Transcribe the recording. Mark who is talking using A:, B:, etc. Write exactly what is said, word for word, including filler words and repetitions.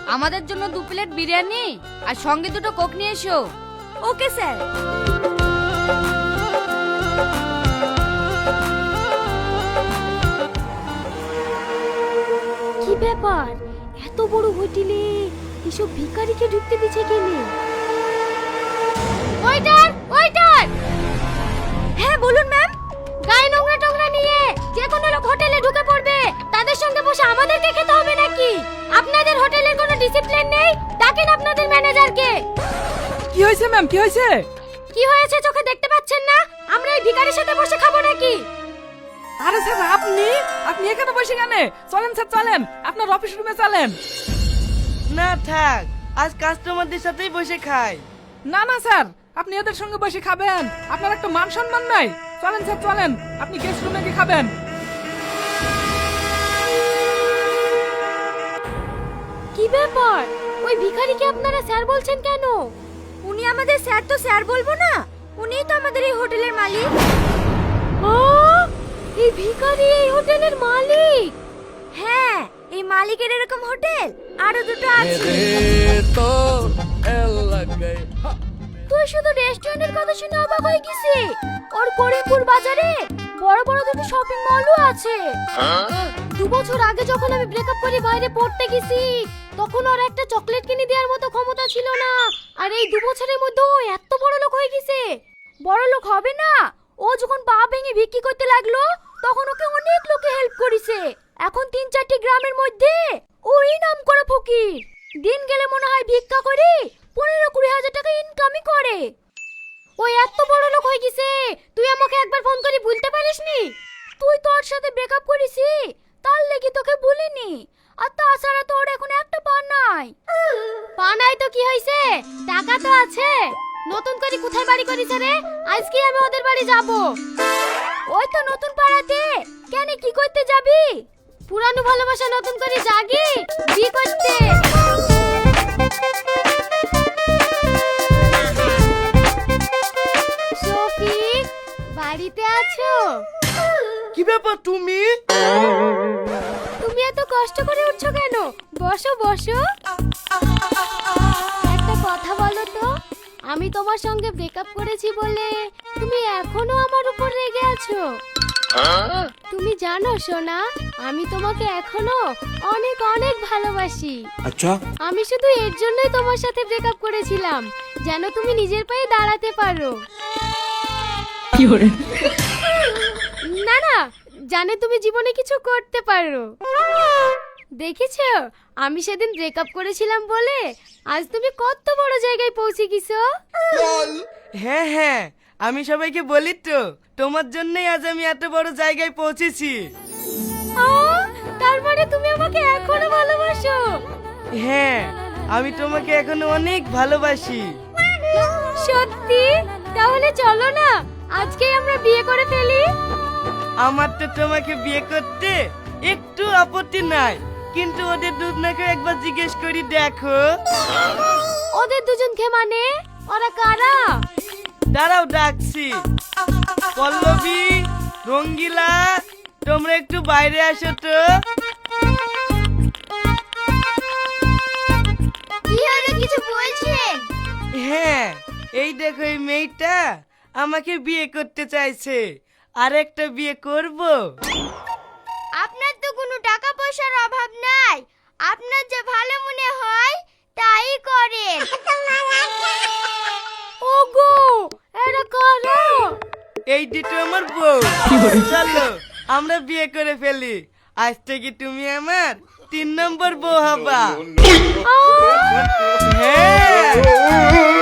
A: আমাদের জন্য দু প্লেট বিরিয়ানি আর সঙ্গে দুটো কোক নিয়ে এসো। Okay sir.
B: কি ব্যাপার, এত বড় হোটেলে এসব ভিখারিকে ঢুকতে দিচ্ছে কেনে?
A: Waiter, waiter. হ্যাঁ বলুন ম্যাম। গায়ে নোংরা টোংরা নিয়ে যে কোনো লোক হোটেলে ঢুকে পড়বে, তাদের সঙ্গে বসে আমাদেরকে খেতে হবে নাকি? আপনাদের হোটেলের কোনো ডিসিপ্লিন নেই? ডাকেন আপনাদের ম্যানেজারকে।
C: কি হয়েছে ম্যাম, কি হয়েছে?
A: কি হয়েছে চোখে দেখতে পাচ্ছেন না? আমরা এই ভিখারির সাথে বসে খাবো নাকি?
C: আরে স্যার, আপনি আপনি এখানে বসে কেন? চলেন স্যার, চলেন আপনার অফিস রুমে চলেন।
D: না থাক, আজ কাস্টমারদের সাথেই বসে খাই।
C: না না স্যার, আপনি এদের সঙ্গে বসে খাবেন, আপনার একটা মান সম্মান নাই। চলেন স্যার, চলেন আপনি গেস্ট রুমে গিয়ে খাবেন।
B: কি ব্যাপার, ওই ভিখারিকে আপনারা স্যার বলছেন কেন?
A: উনি আমাদের স্যার তো স্যার বলবো না, উনিই তো আমাদের এই হোটেলের মালিক।
B: ও, এই ভিখারি এই হোটেলের মালিক?
A: হ্যাঁ, এই মালিকের এরকম হোটেল আরো দুটো আছে।
B: তুই শুধু রেস্টুরেন্টের কথা শুনে অবাক হয়ে গেছি। ওর করিমপুর বাজারে বড় বড় দুটো শপিং মলও আছে। দু বছর আগে যখন আমি ব্রেকআপ করে বাইরে পড়তে গেছি, তখন ওর একটা চকলেট কিনে দেওয়ার মতো ক্ষমতা ছিল না। আর এই দু বছরের মধ্যে ও এত বড় লোক হয়ে গেছে। বড় লোক হবে না, ও যখন পা ভেঙে বিক্রি করতে লাগলো, তখন ওকে অনেক লোকে হেল্প করেছে। এখন তিন চারটি গ্রামের মধ্যে ওই নাম করে ফকির। দিন গেলে মনে হয় ভিক্ষা করে পনেরো কুড়ি হাজার টাকা ইনকামই করে। ওই এত বড় লোক হয়ে গেছে, তুই আমাকে একবার ফোন করে বলতে পারিসনি? তুই তোর সাথে ব্রেকআপ করেছি, তার লেগে তোকে বলিনি। আর তাছাড়া তোর এখন একটা পা নাই। পা নাই তো কি হয়েছে, টাকা তো আছে। নতুন করে কোথায় বাড়ি করেছে রে? আজকে আমি ওদের বাড়ি যাব। ওই তো নতুন পাড়াতে। কেন, কি করতে যাবি? পুরানো ভালোবাসা নতুন করে জাগি বিয়ে করতে। শফিক, বাড়িতে আছো?
D: কি ব্যাপার তুমি?
B: তুমি এত কষ্ট করে উঠছো কেন? বসো বসো। একটা কথা বলো তো, আমি তোমার সঙ্গে ব্রেকআপ করেছি বলে তুমি এখনো আমার উপর রেগে আছো? তুমি জানো সোনা, আমি তোমাকে এখনো অনেক অনেক ভালোবাসি।
E: আচ্ছা,
B: আমি শুধু এর জন্যই তোমার সাথে ব্রেকআপ করেছিলাম, যেন তুমি নিজের পায়ে দাঁড়াতে পারো।
C: কি করে?
B: না না, জানে তুমি জীবনে কিছু করতে পারো। দেখেছো, আমি সেদিন ব্রেকআপ করেছিলাম বলে আজ তুমি কত বড় জায়গায় পৌঁছে গেছো।
D: হ্যাঁ হ্যাঁ, আমি সবাইকে বলি তো, তোমার জন্যই আজ আমি এত বড় জায়গায় পৌঁছেছি।
B: আহ, তার মানে তুমি আমাকে এখনো ভালোবাসো?
D: হ্যাঁ, আমি তোমাকে এখনো অনেক ভালোবাসি।
B: সত্যি? তাহলে চলো না, আজকেই আমরা বিয়ে করে ফেলি।
D: আমার তো তোমাকে বিয়ে করতে একটু আপত্তি নাই, কিন্তু ওদের দুজনকে একবার জিজ্ঞেস করি দেখো।
B: ওদের দুজনকে মানে? ওরা কারা?
D: দাঁড়াও ডাকছি। পল্লবী, রঙ্গিলা, তোমরা একটু বাইরে আসো তো।
B: কি হলো, কিছু বলছেন?
D: হ্যাঁ, এই দেখো এই মেয়েটা আমাকে বিয়ে করতে চাইছে। আর একটা বিয়ে করব।
B: আপনার তো কোনো টাকা পয়সার অভাব নাই, আপনার যে ভালো মনে হয় তাই করেন। ওগো, এরা কারা?
D: এই দুটো আমার বউ। চলো আমরা বিয়ে করে ফেলি। আজ থেকে তুমি আমার তিন নম্বর বউ হবা।
B: আহ!
D: হ্যাঁ।